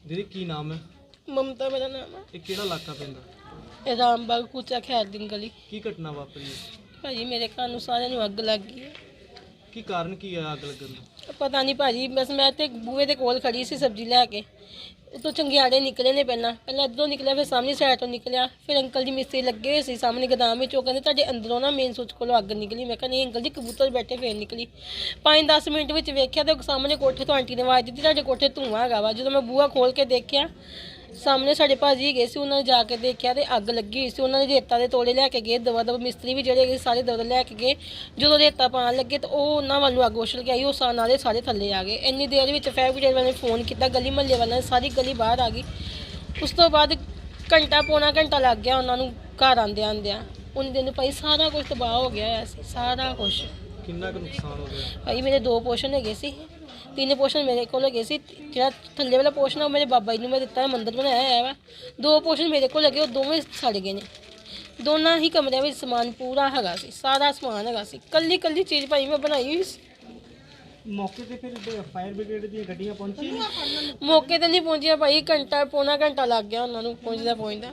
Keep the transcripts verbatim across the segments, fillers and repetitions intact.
दीदी की नाम है? ममता मेरा नाम है। ये केड़ा इलाका पैंदा? ਇਹ ਰਾਮਬਾਗ ਕੂਚਾ ਖੈਰ दिन गली। की घटना वापरी है? ਭਾਜੀ ਮੇਰੇ ਘਰ ਨੂੰ ਸਾਰਿਆਂ ਨੂੰ ਅੱਗ ਲੱਗ ਗਈ ਹੈ। की कारण की है आग लगन दा? ਪਤਾ ਨਹੀਂ ਭਾਜੀ, ਬਸ ਮੈਂ ਤੇ ਬੂਹੇ ਦੇ ਕੋਲ ਖੜੀ ਸੀ ਸਬਜ਼ੀ ਲੈ ਕੇ। ਉਤੋਂ ਚੰਗਿਆੜੇ ਨਿਕਲੇ ਨੇ ਪਹਿਲਾਂ ਪਹਿਲਾਂ ਇੱਧਰੋਂ ਨਿਕਲਿਆ, ਫਿਰ ਸਾਹਮਣੇ ਸਾਈਡ ਤੋਂ ਨਿਕਲਿਆ। ਫਿਰ ਅੰਕਲ ਜੀ ਮਿਸਤਰੀ ਲੱਗੇ ਹੋਏ ਸੀ ਸਾਹਮਣੇ ਗੋਦਾਮ ਵਿੱਚ। ਉਹ ਕਹਿੰਦੇ ਤੁਹਾਡੇ ਅੰਦਰੋਂ ਨਾ ਮੇਨ ਸੁੱਚ ਕੋਲੋਂ ਅੱਗ ਨਿਕਲੀ। ਮੈਂ ਕਿਹਾ ਨਹੀਂ ਅੰਕਲ ਜੀ, ਕਬੂਤਰ ਬੈਠੇ ਫੇਰ ਨਿਕਲੀ। ਪੰਜ ਦਸ ਮਿੰਟ ਵਿੱਚ ਵੇਖਿਆ ਤੇ ਸਾਹਮਣੇ ਕੋਠੇ ਤੋਂ ਆਂਟੀ ਨੇ ਆਵਾਜ਼ ਦਿੱਤੀ ਤੁਹਾਡੇ ਕੋਠੇ ਧੂੰਆਂ ਹੈਗਾ ਵਾ। ਜਦੋਂ ਮੈਂ ਬੂਹਾ ਖੋਲ ਕੇ ਦੇਖਿਆ, ਸਾਹਮਣੇ ਸਾਡੇ ਭਾਜੀ ਗਏ ਸੀ, ਉਹਨਾਂ ਨੇ ਜਾ ਕੇ ਦੇਖਿਆ ਤੇ ਅੱਗ ਲੱਗੀ ਹੋਈ ਸੀ। ਉਹਨਾਂ ਨੇ ਰੇਤਾ ਦੇ ਤੋੜੇ ਲੈ ਕੇ ਗਏ, ਦਵਾ ਦਵਾ ਮਿਸਤਰੀ ਵੀ ਜਿਹੜੇ ਗਏ ਸਾਰੇ ਦਵਾ ਲੈ ਕੇ ਗਏ। ਜਦੋਂ ਰੇਤਾ ਪਾਉਣ ਲੱਗੇ ਤਾਂ ਉਹ ਉਹਨਾਂ ਵੱਲ ਨੂੰ ਅੱਗ ਉਛਲ ਕੇ ਆਈ। ਉਹ ਸਾਹ ਨਾਲੇ ਸਾਰੇ ਥੱਲੇ ਆ ਗਏ। ਇੰਨੀ ਦੇਰ ਵਿੱਚ ਫਾਇਰ ਬ੍ਰਿਗੇਡ ਵਾਲਿਆਂ ਨੇ ਫੋਨ ਕੀਤਾ, ਗਲੀ ਮਹੱਲੇ ਵਾਲਿਆਂ ਨੇ, ਸਾਰੀ ਗਲੀ ਬਾਹਰ ਆ ਗਈ। ਉਸ ਤੋਂ ਬਾਅਦ ਘੰਟਾ ਪੌਣਾ ਘੰਟਾ ਲੱਗ ਗਿਆ ਉਹਨਾਂ ਨੂੰ ਘਰ ਆਉਂਦਿਆਂ ਆਉਂਦਿਆਂ। ਉਹਨਾਂ ਦਿਨ ਭਾਈ ਸਾਰਾ ਕੁਝ ਤਬਾਹ ਹੋ ਗਿਆ ਹੋਇਆ ਸੀ, ਸਾਰਾ ਕੁਝ। किन्ना क नुकसान हो गया? ਭਾਈ ਮੇਰੇ ਦੋ ਪੋਸ਼ਨ ਹੈਗੇ ਸੀ, ਤਿੰਨ ਪੋਸ਼ਨ ਮੇਰੇ ਕੋਲ ਹੈਗੇ ਸੀ। ਜਿਹੜਾ ਥੱਲੇ ਵਾਲਾ ਪੋਸ਼ਨ ਆ ਉਹ ਮੇਰੇ ਬਾਬਾ ਜੀ ਨੂੰ ਮੈਂ ਦਿੱਤਾ ਹੈ, ਮੰਦਿਰ ਬਣਾਇਆ ਹੋਇਆ ਵਾ। ਦੋ ਪੋਸ਼ਨ ਮੇਰੇ ਕੋਲ ਹੈਗੇ, ਉਹ ਦੋਵੇਂ ਸੜ ਗਏ ਨੇ। ਦੋਨਾਂ ਹੀ ਕਮਰਿਆਂ ਵਿੱਚ ਸਮਾਨ ਪੂਰਾ ਹੈਗਾ ਸੀ, ਸਾਰਾ ਸਮਾਨ ਹੈਗਾ ਸੀ। ਕੱਲੀ ਕੱਲੀ ਚੀਜ਼ ਭਾਈ ਮੈਂ ਬਣਾਈ ਹੋਈ ਸੀ। मौके ते फिर फायर ब्रिगेड दी गड्डियां पहुंची? ਮੌਕੇ ਤੇ ਨਹੀਂ ਪਹੁੰਚਿਆ ਭਾਈ, ਘੰਟਾ ਪੌਣਾ ਘੰਟਾ ਲੱਗ ਗਿਆ ਉਹਨਾਂ ਨੂੰ ਪਹੁੰਚਦਾ ਪਹੁੰਚਦਾ।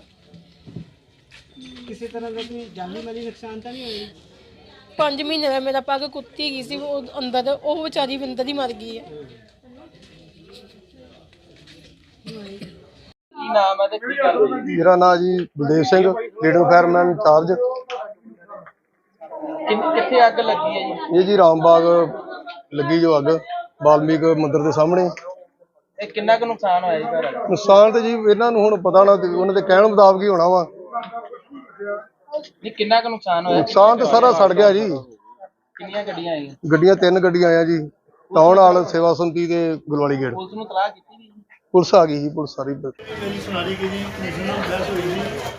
किसी तरह का कोई जानी माली नुकसान तो नहीं होया? ਪੰਜ ਮਹੀਨੇ ਦਾ ਮੇਰਾ ਪੱਗ ਕੁੱਤੀ ਗਈ ਸੀ, ਉਹ ਅੰਦਰ, ਉਹ ਵਿਚਾਰੀ ਵੀ ਅੰਦਰ ਹੀ ਮਰ ਗਈ ਹੈ। ਕੀ ਨਾਮ ਹੈ ਤੇ ਕੀ ਗੱਲ ਹੋਈ? ਮੇਰਾ ਨਾਮ ਜੀ Baldev Singh, leader fireman incharge. ਕਿੰਨ- ਕਿੱਥੇ ਅੱਗ ਲੱਗੀ ਹੈ ਜੀ? ਇਹ ਜੀ ਰਾਮਬਾਗ ਲੱਗੀ ਜੋ ਅੱਗ, ਵਾਲਮੀਕ ਮੰਦਿਰ ਦੇ ਸਾਹਮਣੇ। ਇਹ ਕਿੰਨਾ ਕੁ ਨੁਕਸਾਨ ਹੋਇਆ ਜੀ ਘਰ ਦਾ? ਨੁਕਸਾਨ ਤੇ ਜੀ ਇਹਨਾਂ ਨੂੰ ਹੁਣ ਪਤਾ ਨਾ, ਉਹਨਾਂ ਦੇ ਕਹਿਣ ਮੁਤਾਬਕ ਹੀ ਹੋਣਾ ਵਾ। ਨਹੀਂ ਕਿੰਨਾ ਕੁ ਨੁਕਸਾਨ ਹੋਇਆ? ਨੁਕਸਾਨ ਤੇ ਸਾਰਾ ਸੜ ਗਿਆ ਜੀ। ਕਿੰਨੀਆਂ ਗੱਡੀਆਂ ਆਈਆਂ? ਗੱਡੀਆਂ ਤਿੰਨ ਗੱਡੀਆਂ ਆਇਆ ਜੀ, ਟਾਊਨ ਹਾਲ, ਸੇਵਾ ਸੰਤੀ ਤੇ ਗੁਲਵਾਲੀ ਗੇਟ। ਪੁਲਿਸ ਨੂੰ ਤਲਾਹ ਕੀਤੀ ਜੀ? ਪੁਲਿਸ ਆ ਗਈ ਜੀ, ਪੁਲਿਸ ਸਾਰੀ। ਮੇਰੀ ਸੁਣਾਰੀ ਗਈ ਜੀ, ਕਮਿਸ਼ਨ ਨਾਲ ਬਹਿਸ ਹੋਈ ਸੀ।